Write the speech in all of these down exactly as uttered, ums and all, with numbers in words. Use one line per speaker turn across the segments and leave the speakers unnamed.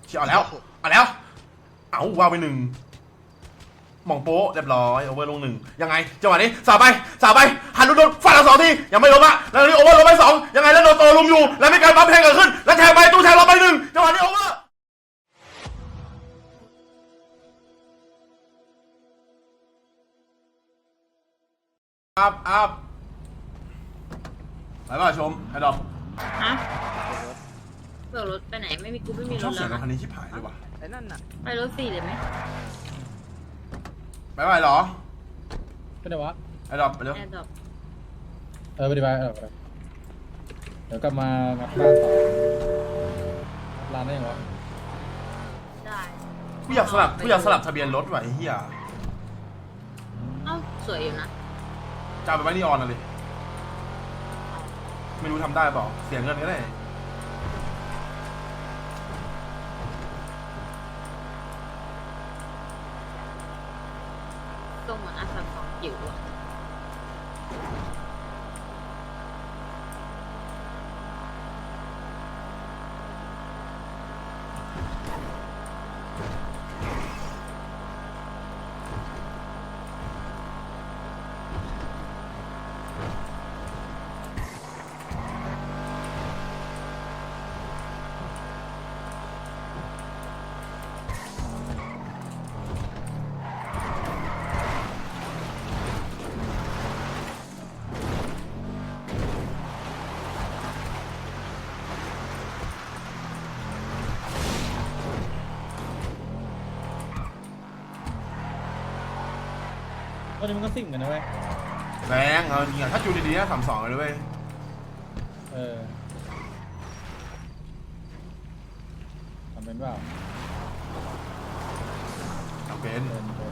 เชี่ยเอาแล้วเอาแล้วเอาว้าวไปหนึ่งมองโป๊ะเรียบร้อยโอเวอร์ลงหนึ่งยังไงจังหวะนี้สาบไปสาบไปหันโดนฟาดสองทียังไม่ล้มอะแล้วนี่โอเวอร์ลงไปสองยังไงแล้วโดนโตลุมอยู่แล้วมีการปั๊มแทงเกิดขึ้นแล้วแทงไปตู้แทงเราไปหนึ่งจังหวะนี้โอเวอร์อัพอัพไปป่ะชมไอ้ดอก
ฮะเปิดรถไปไหนไม่มีกูไม่มีร
ชอบ
ถ
เสีย
แล้
ง
ว
รถคันนี้ชิบหายเลยว่ะ
ไอ้นั่นน่ะ
ไปรถสี่เลยไหม
ไปไปหรอ
ไปไหนวะ
ไอ้ดอกไปเร็ว
แอร์ดรอป
เออไปดีไปเออไปเดี๋ยวกลับมางัดบ้านต่อร้านได้ยังวะ
ได้
กูอยากสลับกูอยากสลับทะเบียนรถว่ะไอ้เหี้ย
เอ้าสวยอยู่นะ
จะเอาไปไว้นี่ออนอะไรไม่รู้ทำได้เปล่าเสียเงินก็ได้
ตรงเหมือนอาสามสองจิ๋วอะ
ตอนนี้มันก็สิ่งกันนะเว้ย
แรงเอาจริงอะถ้าจูดีๆนะสามสองเลยเว้ย
เออทำเป็นเปล่า
เอาเป็น
เป็นเป็น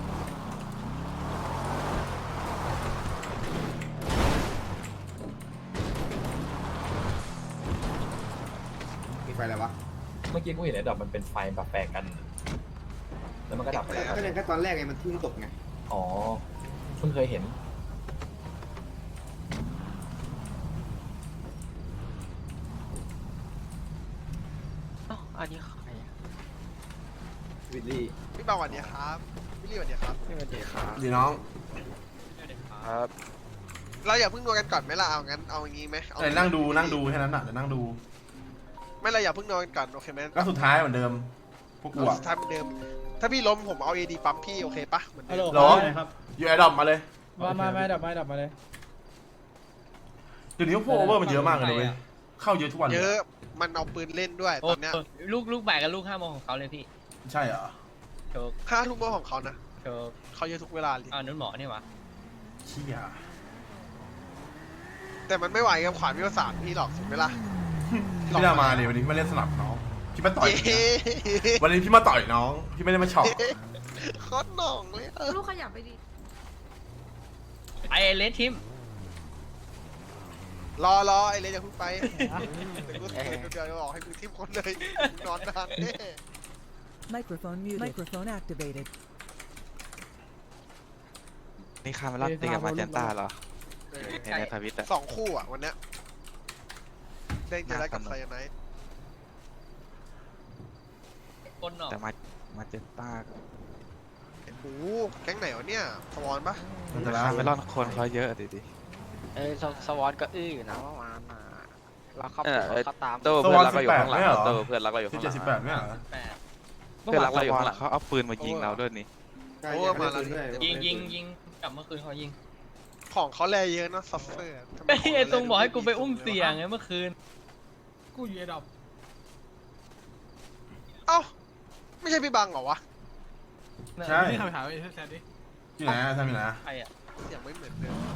มีไฟอะไรวะ
เมื่อกี้กูเห็นไอ้ดอกมันเป็นไฟแบบแปลกกัน แล้วมันก็ดับไปแล้ว
ก็ยังแค่ตอนแรกไงมันทุ่งตกไง
อ๋อเพิ่งเคยเห็น
อันนี้ใครอะ
วิลลี่
พี่บางวันเนี้ยครับพี่ลี่วันเนี้ยครับ
สวัสดีครับ
ดีน้อง
ครับ
เราอย่าเพิ่งนัวกันก่อนไหมล่ะเอางั้นเอาอย่างงี้ไหมเอา
เอ้ยนั่งดูนั่งดูแค่นั้นน่ะเดี๋ยวนั่งดู
ไม่เราอย่าเพิ่งนัวกันก่อนโอเคไหม
ก็สุดท้ายเหมือนเดิมพวกกู
เอา
อะ
สุดท้ายเหมือนเดิม ถ้าพี่ล้มผมเอาเอดีปั๊มพี่โอเคปะเหมือน
ฮั
เดิ
ลโหล
ม
หรอ
ครับ
อยู่ไอ้ดอกมาเลย
มามามาดับมาดับมาเลย
เดี๋ยวนี้พวกโอเวอร์มันเยอะมากเลยเว้ยเข้าเยอะทุกวันเล
เย
ย
อะมันเอาปืนเล่นด้วยตอนเนี้ย
ลูกลูกบ่ายกับลูกห้าโมงของเขาเลยพี่
ใช่เหรอ
โชค
ห้าทุ่มของเขานะ
โชค
เขาเยอะทุกเวลาเลย
อ้าวนุ่นหมอนี่หวะ
เชี่ย
แต่มันไม่ไหวกับขวานวิวสามพี่หรอกถูกไหมล่ะ
พี่น่ามาเลยวันนี้พี่มาเล่นสนับน้องพี่มาต่อย
เย้
วันนี้พี่มาต่อยน้องพี่ไม่ได้มาช็อต
โคตรหน่องเลยเออ
ลูกขยับไปดิ
ไอเลสทิม
รอรอไอเลยอย่าเพิ่งไปเดี๋ยวกูเดี๋ยวเดี๋ยวบอกให้มึงทิมคนเลยนอนนานแน่
Microphone muted. Microphone activated.
นี่คาร์เมลอนตีกับมาเจนต้าเหรอในในทวิตอะ
สองคู่อ่ะวันเนี้ยเด้งเจอแล้วกับไซยาไนท์
คนหนอก
แต่มามาเจนต้า
โอ้โหแก๊งไหนวะเนี่ยสวอนปะ
แต่คาร์เมลอนคนเขาเยอะดิดิ
เอ้ยสวอตก็อื้ออยู่นะเมื่อวานน่ะเราเข้า
เออ
เขาตาม
โตเพื่อนรักเราอยู่ข้างหลังโตเพื่อนรักเราอยู่
ที่
ข้างห
เจ็
ลั
ด
ง
สิบแปดไม่เหรอ
แปด
เพื่อนรักเราอยู่ข้างหลังเขาเอาปืนมายิงเราด้วยนี่
ใช่ยังไม่ได้ปืนด้วย
ยิงยิงยิงกลับเมื่อคืนเขายิง
ของเขาแลเยอะเนอะซัฟเฟอร์ทำไม
ไอ้
ขง
ไอ้
เขาแล
ตรงบอกให้กูไป
ดู
อุ้ม
ดี
เสียงไงเมื่อคืน
กูอยู่ไอ้ดอก
เอ้าไม่ใช่พี่บังเหรอวะ
ใช่
นี่คำถามไอ้แซดดิ
ที่ไหนอะทำอยู่ไหนอะ
ใครอ่ะ
เสียงไม่เหมือนเดิม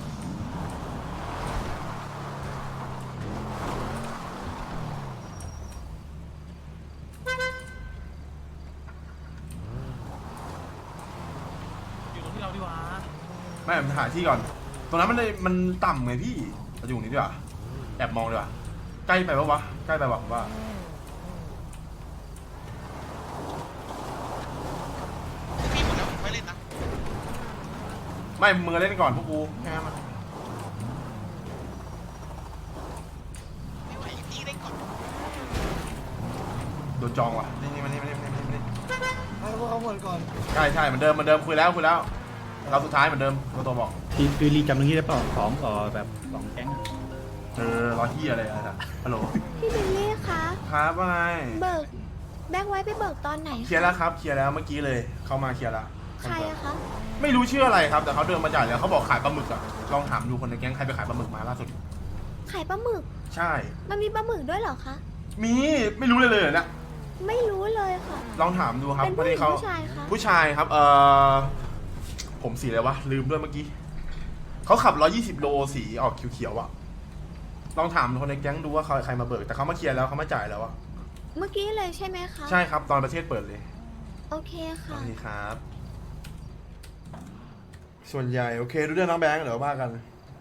อยู่ตรงที่เราดีกว่า
ไม่ผมหาที่ก่อน ตรงนั้นมันเลยมันต่ำไงพี่เราอยู่ตรงนี้ดีกว่าแอบมองดีกว่าใกล้ไปปะวะใกล้ไปปะผมว่า
พี่หมดแล้วไม่เล่นนะ
ไม่มึงเล่นก่อนพวกกูแค่นั้นมัน
ไม่ไหวพี่เล่นก่อน
โดนจองว่ะนี่นี่มันนี่มันนี่มัน
หมดก่อน
ใช่ใช่เหมือนเดิมเหมือนเดิมคุยแล้วคุยแล้วเราสุดท้ายเหมือนเดิมตัวตัวบอก
คือคือรีจำตรงนี้ได้เปล่าสองต่อแบบสองแก๊ง
เออรอที่อะไรอะฮัลโหล
พี่บิลลี่คะ
ครับว่าไง
เบิกแบงค์ไว้ไปเบิกตอนไหน
เคลียร์แล้วครับเคลียร์แล้วเมื่อกี้เลยเข้ามาเคลียร์แล้ว
ใครอะคะ
ไม่รู้ชื่ออะไรครับแต่เขาเดินมาจ่ายแล้วเขาบอกขายปลาหมึกอะลองถามดูคนในแก๊งใครไปขายปลาหมึกมาล่าสุด
ขายปลาหมึก
ใช่
มันมีปลาหมึกด้วยเหรอคะ
มีไม่รู้เลยเลยนะ
ไม่รู้เลยค่ะ
ลองถามดูครับ
เป็น
พอ
ผู้ห
ดี
ญิง
เขา
ผู้ชายคะ
ผู้ชายครับเออผมสีอะไรวะลืมด้วยเมื่อกี้เขาขับร้อยยี่สิบโลสีออกเขียวๆอะลองถามคนในแก๊งดูว่าเขาใครมาเบิกแต่เขามาเคลียร์แล้วเขามาจ่ายแล้วอะ
เมื่อกี้เลยใช่ไหมคะ
ใช่ครับตอนประเทศเปิดเลย
โอเค
โอ
ค่ะ
เคครับ ส่วนใหญ่โอเคดูเรื่องน้องแบงค์เดี๋ยวว่ากัน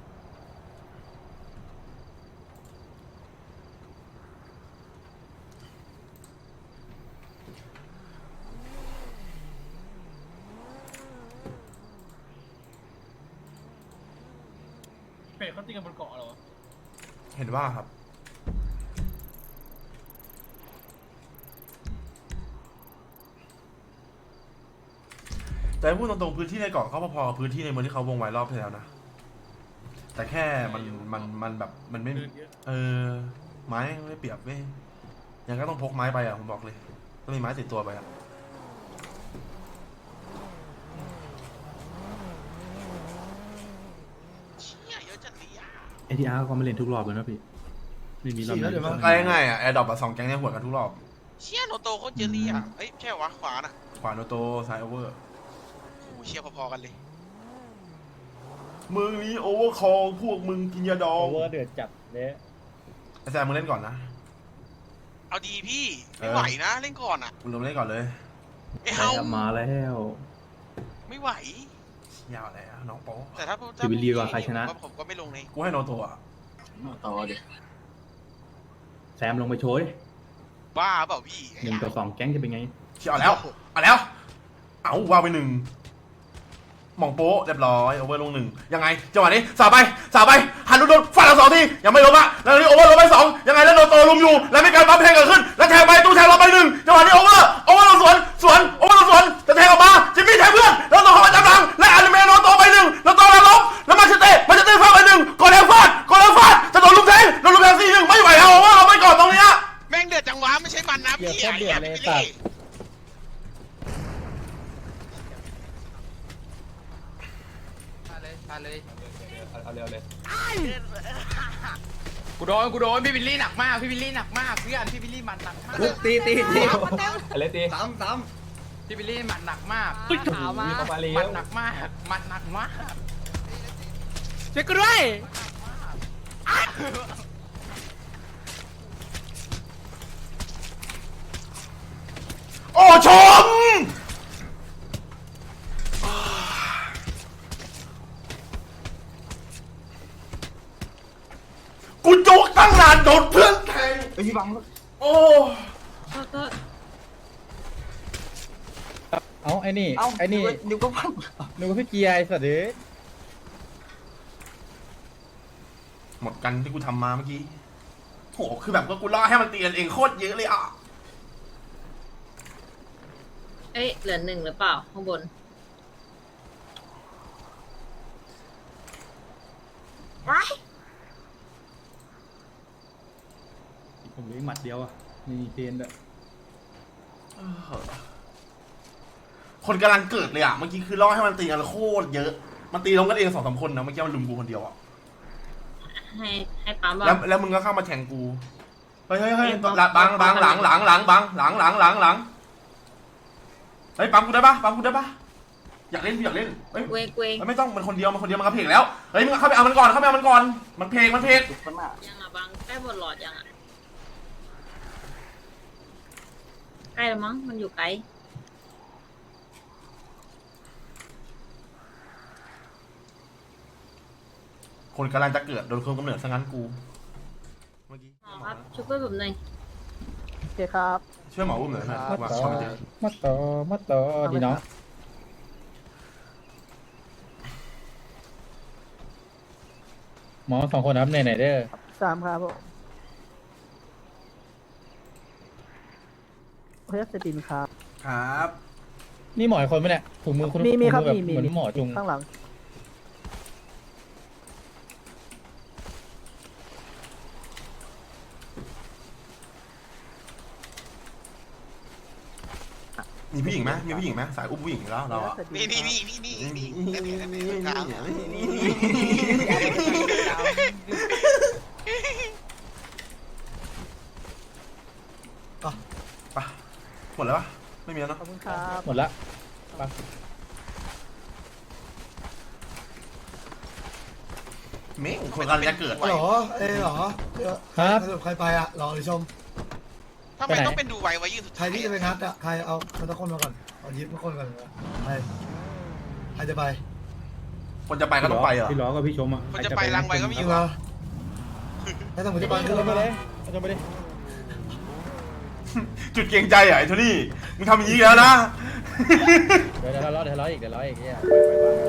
เป็ดเขาตีกันบนเกาะเหรอเห็นว่าครับแต่พูดตรงๆพื้นที่ในเกาะเขาพอๆกับพื้นที่ในเมืองที่เขาวงไว้รอบที่แล้วนะแต่แค่มันมันมันแบบมันไม่เออไม้ไม่เปรียบเว้ยยังก็ต้องพกไม้ไปอ่ะผมบอกเลยต้องมีไม้ติดตัวไปอ่ะ
เชี่ยเยอะจัดเลยอ่ะ
เอทีอาร์ก็มาเล่นทุกรอบเลยนะพี่ไม่มีรอบไหน
ไกลง่ายอ่ะแอร์ดรอปอ่ะสองแก๊งเนี่ยหัวกันทุกรอบ
เชี่ยโนโตโคตรเยอะเลยอ่ะเอ้ยใช่วะขวาน่ะ
ขวาโนโตซ้ายโอเวอร์
โอ้โหเชี่ยพอๆกันเลย
มึงนี้โอเวอร์คอลพวกมึงกินยาดอง
โอเวอร์เดือดจัดเลย
ไอ้แซมมึงเล่นก่อนนะ
เอาดีพี่ไม่ไหวนะเล่นก่อนอ่ะ
มึงลงเล่นก่อนเลย
ไม่เอา
มาแล้ว
ไม่ไหวย
าวแล้วน้องโป๊ะ
แต่ถ้า
จะไปรีว่าใครชนะ
ผมก็ผมก็ไม่ลงใน
กูให้โนโตอ่ะ
แซมลงไปโชย
บ้าเปล่าพี่
หนึ่งต่อสองแก๊งจะเป็นไง
เชียเอาแล้วเอาแล้ว เอาวางไปหนึ่งหม่องโป๊ะเรียบร้อยโอเวอร์ลงหนึ่งยังไงจังหวะนี้สาบไปสาบไปหันโดนฟันเราสองทียังไม่ล้มอะแล้วนี่โอเวอร์ลงไปสองยังไงแล้วโดนโตลุมอยู่แล้วมีการปั๊มแทงเกิดขึ้นแล้วแทงไปตู้แทงเราไปหนึ่งจังหวะนี้โอเวอร์โอเวอร์ลงสวนสวนโอเวอร์ลงสวนจะแทงออกมาจิมมี่แทงเพื่อนแล้วโตเข้ามาจับหลังและอนิเมะโดนโตไปหนึ่งแล้วโตแล้วล้มแล้วมาเชเต้มาเชเต้ฟาดไปหนึ่งกดแทงฟาดกดแทงฟาดจะโดนลุมแทงโดนลุมแทงสี่หนึ่งไม่ไหวเอาโอเวอร์เอาไปก่อนตรงนี้
แม่งเดือดจังหวะไม่ใช่มันนะพี่
เดือดเดือดเลย
ไอ้
สั
หี้
ตว์
มาเลย
เอาเร็วเลย
กูโดนกูโดนพี่บิลลี่หนักมากพี่บิลลี่หนักมากเพื่อนพี่บิลลี่มันหนักมาก
ตีตีตี
อะไรตี
สามสาม
พี่บิลลี่มันหนักมาก
ขาวมาเข้ามาเร็ว
มันหนักมากมันหนักมากช่วยกูด้วย
โอ้ชมกูจุกตั้งนานโดนเพื่อนแทง
ไอพี่บัง
โอ้
เอาไอ้นี่ไอ้นี่
นิ้วก็พัง
นึกว่าพี่เกียร์ไอ้สัตว์เด้
หมดกันที่กูทำมาเมื่อกี้โหคือแบบว่ากูล่อให้มันตีกันเองโคตรเยอะเลยอ่ะ
เอ้ยเหลือหนึ่งหรือเปล่าข้างบน
ผมเลี้ยงหมัดเดียวอ่ะมีเกณฑ์ด้วย
คนกำลังเกิดเลยอ่ะเมื่อกี้คือล่อให้มันตีกันโคตรเยอะ มันตีลงกันเองสองสามคนนะเมื่อกี้มันลุมกูคนเดียวอ่ะ
ให้ให้ปั๊ม
แล้ว
ว่า
แล้วมึงก็เข้ามาแทงกูเฮ้ยเฮ้ยเฮ้ยหลังบังบังหลังหลังหลังบังหลังหลังหลังหลังเฮ้ยปั๊มกูได้ปะปั๊มกูได้ปะอยากเล่นอยากเล่นเฮ้ย
เวงเวง
ไม่ต้องมันคนเดียวมันคนเดียวมันกระเพกแล้วเฮ้ยมึงเข้าไปเอามันก่อนเข้าไปเอามันก่อนมันเพลงมันเพลง
ยังอ่ะบังใกล้หมดหลอดยังอ่ะใกล้แล้วมั้งมันอยู่ไกล
คนกำลังจะเกิดโดนเครื่องกำเนิดซะงั้นกูเมื่อกี้
หมอครับช่วยเพื่อนผมหน่อย
โอเคครับ
ช่วยหมออุ้มหน่อยนะ
มา
ว่า
ต่อ
ช่วยมันเยอะ
มาต่อมาต่อดีเนาะหมอสองคนนับไหนไหนเด้อ
สามครับผมเพื่อสตินครับ
ครับ
นี่หมออีกคนไหมเนี่ยถุงมือคุณ
มีมีครับ
ถุง
มี
อแบบ
มี
เหมือนหมอจุง
ข้างหลัง
มีผู้หญิงไหมมีผู้หญิงไหมสายอุ้มผู้หญิงอยู่แล้วเราอะ
นี่นี่นี่นี่นี่นี่นี่นี่นี่นี่กลาง
ไปหมดแล้วปะไม่มีแล้วเนอะ
ขอบคุณครับ
หมดละไป
เม้งคนกำลังจะเกิด
หรอ
เออเหรอ
ครับ
สรุปใครไปอ่ะรอหรือชม
ทำไมต้องเป็นดูไวไว้ยืนสุด
ใครที่จะไปงัดอ่ะใครเอาคนตะคนมาก่อนเอายิบมาคนก่อนใครใครจะไป
คนจะไปก็ต้องไปเหรอ
พี่ล้อกับพี่ชมอ่ะ
คนจะไปรังไวก็มี
จ
อ
ริ
ยู่
งเหรอไม่ต้องผมจะไปขึ้นรถมาเลย
ชมไปดิ
จุดเกรงใจอ่ะไอ้โทนี่มึงทำอย่างนี้อีกแล้วนะ
เดี๋ยวเดี๋ยวเราล้อเดี๋ยวล้ออีกเดี๋ยวล้ออีกเนี่ยไปไป